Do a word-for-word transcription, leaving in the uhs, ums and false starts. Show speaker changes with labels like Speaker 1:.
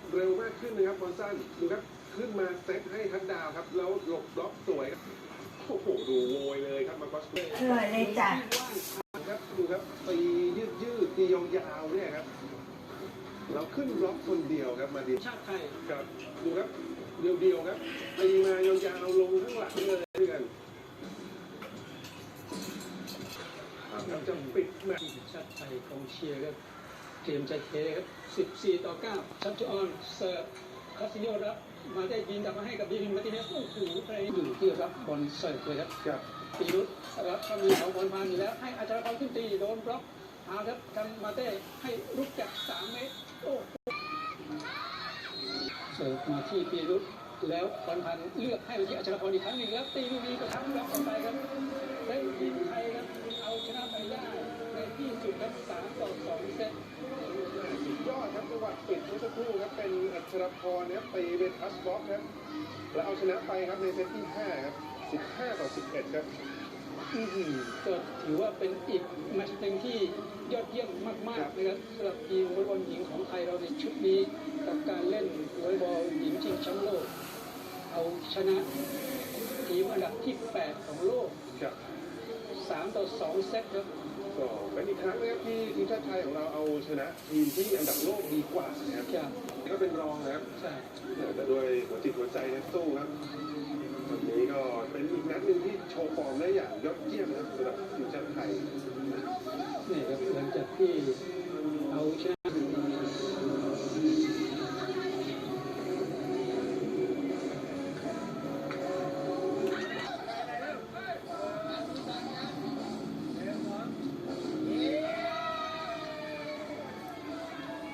Speaker 1: เร็วมากขึ้นนะครับบอลสั้นดูครับขึ้นมาเซตให้ทัดดาวครับแล้วหลบบล็อกสวยครับโอ้โหดูโวยเลยครับมาคอสเต้
Speaker 2: อร่อยเลยจ้ะ
Speaker 1: ครับดูครับตียืดยืดตียาวๆเนี่ยครับเราขึ้นบล็อกคนเดียวครับมาดี
Speaker 3: ชาติไทย
Speaker 1: ครับดูครับเดียวๆครับตีมายาวๆลงข้างหลังเลยด้วยกันครับจะปิดแมตช์
Speaker 3: ชาติไทยกองเชียร์ครับเกมจะเทครับสิบสี่ต่อเก้าชัชออนเสิร์ฟคาสิโยรับมาได้ยิงกลับมาให้กับดีวินมาติเนสโอ้โหใครอยู่ที่รับบอลเสิร์ฟเลยครับ
Speaker 1: ครับ
Speaker 3: ปีรุษรับก็มีของบอลพานอยู่แล้วให้อาจารย์พรขึ้นตีโดนบล็อกเอาครับทำมาเต้ให้ลุกจากสามเมตรโอ้เสิร์ฟมาที่ปีรุษแล้วบอลพันเลือกให้ไปที่อาจารย์พรอีกครั้งหนึ่งแล้วตีลูกนี้ก็ทำบล็อกออกไปครับได้ทีมไทยครับเอาชนะไปได้ในที่สุดครับสามต่อสองเซต
Speaker 1: สุดยอดครับจังหวะปิดเมื่อสักครู่ครับเป็นอัชรพรนะครับตีเป็นทัชบล็อกครับแล้วเอาชนะไปครับในเซตที่ห้าครับสิบห้าต่อสิบเอ็ดครับ
Speaker 3: ก็ถือว่าเป็นอีกแมตช์หนึ่งที่ยอดเยี่ยมมากๆนะครับสำหรับทีมวอลเลย์บอลหญิงของไทยเราในชุดนี้กับการเล่นวอลเลย์บอลหญิงชิงแชมป์โลกเอาชนะทีมอันดับที่แปดของโลกสามต่อสองเซตครับ
Speaker 1: ก็เป็นอีกครั้งนะครับที่ทีมชาติไทยของเราเอาชนะทีมที่อันดับโลกดีกว่านะครับก็เป็นรองนะครับ
Speaker 3: ใช่
Speaker 1: แต่ด้วยหัวจิตหัวใจนักสู้ครับวันนี้ก็เป็นอีกนัดหนึ่งที่โชว์ฟอร์มได้อย่างยอดเยี่ยมนะครับสำหรับทีมชาติไทย